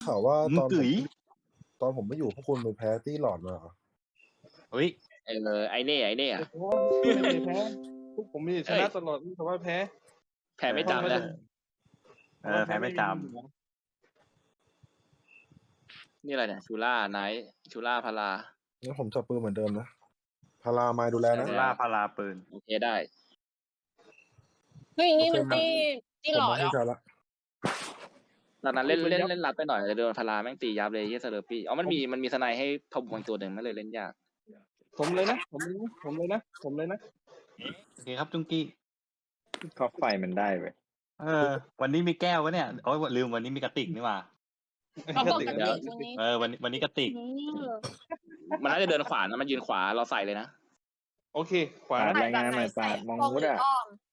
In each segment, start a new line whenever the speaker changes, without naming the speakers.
ข่าวว่าตอนผม
กึ๋ย
ตอนผมไม่อยู่พวกคุณไปแพ้ตี้หลอดมาเหรอ
เฮ้ย
ไอ้เน่อะ
ไม่ได้แพ้พวกผมมีชนะตลอดแต่ว่าแพ้
แพ้ไม่จำนะ
แพ้ไม่จ
นี่อะไรเนี่ยชูล่าไนท์ชูล่าพารา
งั้นผมจับปืนเหมือนเดิมนะ พาราไมดูแลนะ
ำล่าพาราปืน
โอเคได้
เฮ้ยนี่มันตี
ผม
หลอ
มา
ดเหร
ให้
อ
ใจละ
ตอนนั้นเล่นรัดไปหน่อยเลยโดนพาราแม่งตียับเลยที่เซอร์ปี้มันมีสไนให้ทบบางตัวหนึ่งไม่เลยเล่นยาก
ผมเลยนะผมเลยนะ
โอเคครับจุงกี้
ก็ไฟมันได้เว้ย
วันนี้มีแก้ววะเนี่ยโอ้ยลืมวันนี้มีกระติกนี่หว่า
เอาปกติตรงนี้
วันนี้กระติก
มันน่าจะเดินขวานะมันยืนขวาเราใส่เลยนะ
โอเคขวา
ปาดรายงานหน่อยปาดมองวุฒิอ่ะ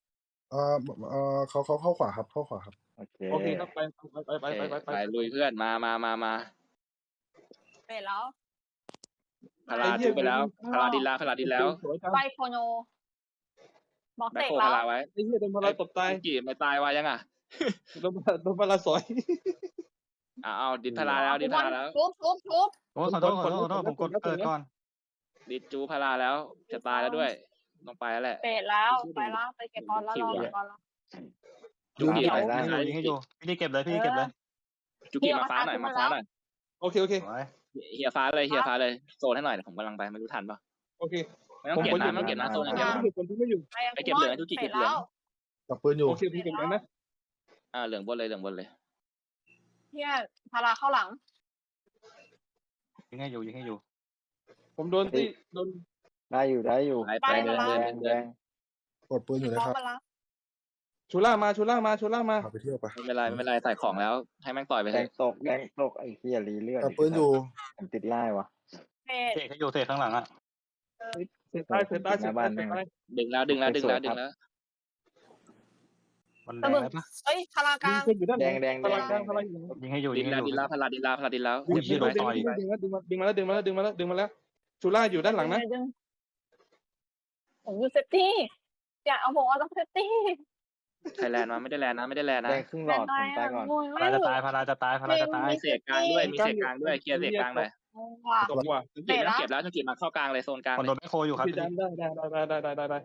เขาเข้าขวาครับ เข้าขวาครับ
โอเค
โอเคครับไป
ไปลุยเพื่อนมา
เสร็จแล้ว
พาราจุไปแล้วพาราดินแล้ว
ไบโคโนบอก
แบ็ค
เสก
โค
แล้
พาว ราไว้
ไอ้เหี้ยโดนพลายตบตาย
กี่ไม่ตายวายังอ่ะ
โดนพลายสอย
เอาดินพาราแล้ว
ทุบ
โอ้ขอโทษผมกดเกิดก่อน
ดินจูพาราแล้วจะตายแล้วด้วยต้องไปแล้วแหละ
เสร็จแล้วไปเก็บบอลแล้วรอเก็บบอลแล้ว
จุกิ
ยิงให้อยู่พี่นี่เก็บเลย
จุกิมาฟ้าหน่อย
โอเค
เฮียฟ้าเลยโซนให้หน่อยผมกำลังไปไม่รู้ทันปะ
โอเค
ไม่ต้องเก็บนะโซนอย่างเดียว
คนที่ไม่อยู่
ไปเก็บเหลืองจุกิเก็บเหลือง
จับปืนอยู่
โอเคพี่เก็บแล้วนะ
เหลืองบนเลย
เฮียพาราเข้าหลัง
ยิงให้อยู่
ผมโดนที่โดน
ได้อยู่
ไป
แดง
กดปืนอยู่นะครับ
ชูล่ามา
พาไปเที่ยวไป
ไม่เป็นไรใส่ของแล้วให้แม่งต่อยไป
แด
เลย
งตกไอ้เหี้ยรีเลือด
จับปืนอยู่
ผมติดไล่วะ
เสร็จ
เทให้อยู่เทข้างหลังอ่ะ
เสียใต้
ดึงแล้ว
มันแด
ตะ
ง
บึง
แล้วปะ
เฮ้ยพารากลาง
อยู่ด้าน
แดง
พลังกลาง
ยิงให้อยู่
ดินแล้วพาราดินแล้ว
อุ้ยเหี้ยโดนต่อย
ดึงมาแล้วชูล่าอยู่ด้านหลังนะ
ผมอยู่เซฟตี้อย่าเอาผมต้องเซฟตี้
ไทยแลนด์มาไม่ได้แลนด์นะ
แดงครึ่งหลอดผมตายก่อน
พาราจะตาย
มีเศษกลางด้วยเคลียร์เศษกลางเลย
ตกว่ะ
จุกิไม่ต้องเก็บแล้วจุกิมาเข้ากลางเลยโซนกลาง
คนโดนแม่โคอยู่ครับ
พี่จันได้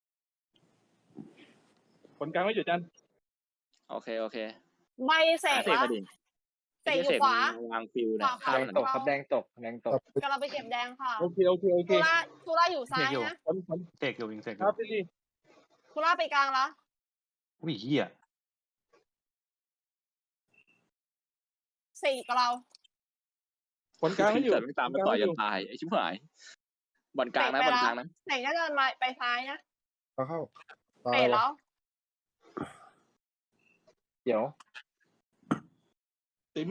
ผลกลางไม่อยู่จัน
โอเค
ใบเสก
เศษ
แล้ว
พอดี
เสกอยู่ขวาว
างฟิวเนี่ย
แดงตกครับแดงตก
กำลังไปเก็บแดงค่ะ
โอเค
ทูล่าอยู่ซ้ายนะ
เสกอยู่ยิงเสกอ
ค
ยู่
รับพี่
ทูล่าไปกลางแล้ว
อุ้ยเหี้ย
เสกกับเรา
ผลกลางไม่อยู่
ไม่ตามมาต่อยจนตายไอ้ชิบหายบอลกลางนะ
เสกก็เดินมาไปซ้ายนะ
เข้าตา
เส
ย
กแล้ว
เดี๋ยว
ติ๋ม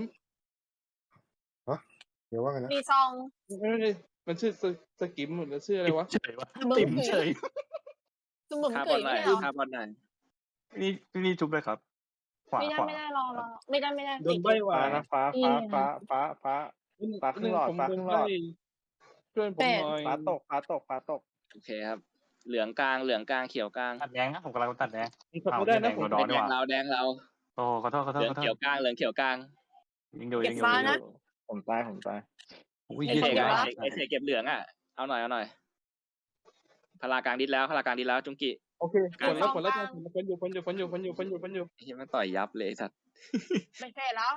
เดี๋ยวว่าไงนะ
มีซอง
มันชื่อสกิมหรือชื่ออะไรวะ
เฉยวะ
มึง
ติ่มเฉย
สมุน
คา
เก
บอล
ย
หน่อย
ไม่เหรอ
คาบอลหน่อย
นี่ชุบเลยครับ ขวา
ไม่ได้รอไม่ได้
โดนใบหวา
ฟ้านะฟ้าครึ่งหลอด
เพื่อนผมหน่อย
ฟ้าตก
โอเคครับเหลืองกลางเขียวกลาง
ตัดแดงนะผมกำลังตัดแดง
ผมไม่ได้นะผม
ดอนดีกว่า
แดงเรา
โอ้ขอโทษ
เหลืองเขียวกลาง
ยิงอยู่
ผมตาย
อุ้ย
ไอ
เหี้ย
เศษเก็บเหลืองอ่ะเอาหน่อยพลากลางดิดแล้วจุงกิ
โอเคผลแล้วคนอยู่
ไอ้ที่มันต่อยยับเลยสัตว์
ไม่เสร็จแล้ว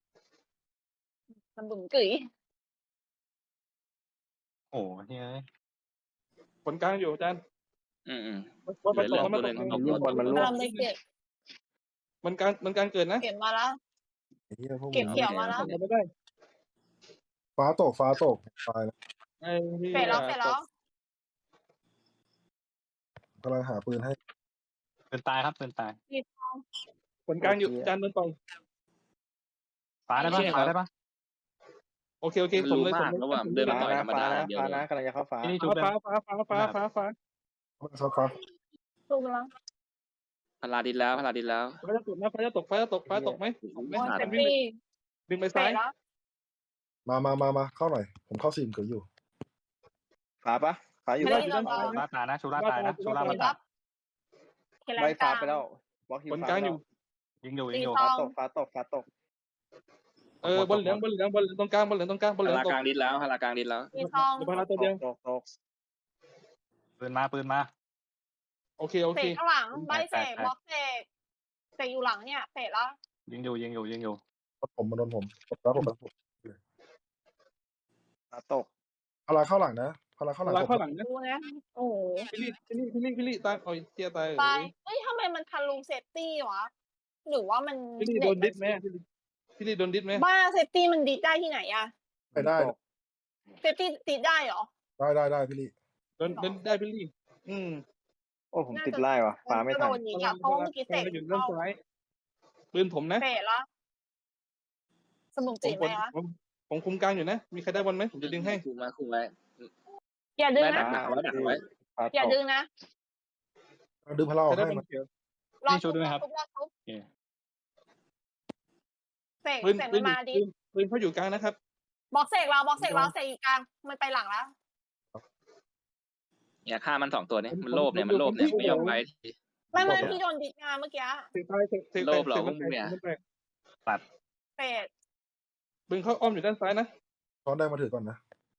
สมุนเกย
โอ้เฮ้ย
ผลกลางอยู่อาจารย์
เหลือเหลืองตัวนึง
มันร่วง
กำลังไปเก็บ
มันกลางเกิดนะ
เก็บมาแล้ว
ไอ้เหี้ยพวก
เก็บเขียวมาแล้ว
ไม่ได้
ฟ้าตกตายแล้ว
ไอ้ที่
เสร็จแล้ว
กำลังหาปืนให้
เป็นตายครับเป็นตาย
มีซอง
ผลกลางอยู่อาจารย์โดนต่อย
ฟ้าได้ปะ
โอเคผมเลย
ระหว่างเดินมาต่อยธรรมดาเดียว
ฟ้านะกำลังจะเข้าฟ้า
นี่ชุบเลย
ฟ้า
ฟ้า
ถูกแล้ว
พลาดินแล้ว
ฟ้าจะตกนะฟ้าจะตกไหม
ไม่
โอ้ย
ขาด
เซฟตี้
ดึงไป
เสร็
ซ้า
จ
ย
แล้ว
มาเข้าหน่อย ผมเข้าซีมเกิดอยู่
ฟ้าปะฟ้าอยู่
ไม่
ปะ
ได้ยินเรา
ชุราตายนะชุราตายนะชุรามาตาย
ใบฟ้าไปแล้วบล็อก
ผลกลางอยู่
ยิงอยู่
ฟ้าตก
บอลเหลืองตรงกลางบอลเหลืองตรงกลางบอลเหลื
พา
อง
รา
ตก
กลางดิสแล้วพารากลางดิสแล้ว
มีทอง
เดี๋ยวพาราตัวเดียว
ตก
ปืนมา
โอเค
เสกข้างหลังใบเสก
แตก
บล็อกเสกเสกอยู่หลังเนี่ยเสกแล้ว
ยิงอยู่
ผมมาโดนผมแล้วผม
ฟ้าตก
พาราเข้าหลังนะพาราเข้าหลัง
พาราเข้าหลังนะ
ดูนะโอ้โห
พี่ลี่ตายโอ้ยเตี้ยตาย
ตายเฮ้ยทำไมมันทะลุเซฟตี้วะหรือว่ามัน
พี่ลี่โดนดิสไหมพี่ลี่โดนดิสไหม
บ้าเซฟตี้มันดิดได้ที่ไหนอะ
ไปได้
เซฟตี้ติดได้เหรอ
ได้พี่ลี่
โดนได้พี่ลี่
โอ้ผมติดไล่ว่ะฟ้าไม่
ก็
ทั
โด
น
นยิงอะเพราะว่าเมื่อกี้เสก
อยู่ด้านซ้ายปืนผมนะ
เสกแล้วสมุนจีไหมวะ
ผมคุมกลางอยู่นะมีใครได้บอลไหมผมจะดึงให้
คุมไว้
อย่าดึง
ได้ดั
นะ
กไว้ดักไว้
ฟ้า
อย่า
ตก
ดึงนะ
ดึงพาราออก
ใครได้
ให้
บอ
มา
ลเขียว
รอ
นี่ช่วยด้วยครับ
ทุบ
โอเค
เสก
ปืน
เสก
ปื
มัน นมาดิ
ปืนเขาอยู่กลางนะครับ
บล็อกเสกเราเสกอีกกลางมันไปหลังแล้ว
เนี่ยฆ่ามัน2ตัวนี้มันโลภเนี่ยไม่ยอมไปที
ไม่พี่โดนดิดงานเมื่อกี้
เตะตายเตะ
โลภเหรอพวกมึงเนี่ย
เสก
ปืนเขาอ้อมอยู่ด้านซ้ายนะ
ช้อนได้มาถือก่อนนะ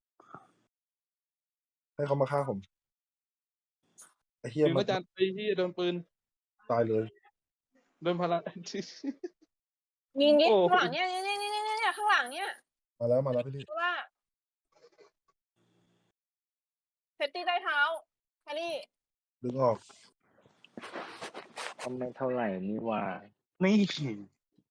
ให้เขามาฆ่าผมไอ้เฮีย
ถึง
มัน
อาจารย์ไอ้ที่โดนปืน
ตายเลย
โดนพารา
ยิงดิ
โอ้
ข้างหลังเนี่ยข้างหลังเนี่ย
มาแล้วพี่ลี่
เพราะว่าเซฟตี้ใต้เท้าแคลรี่
ดึงออก
ทำไม่เท่าไหร่นี่ว่า
นี่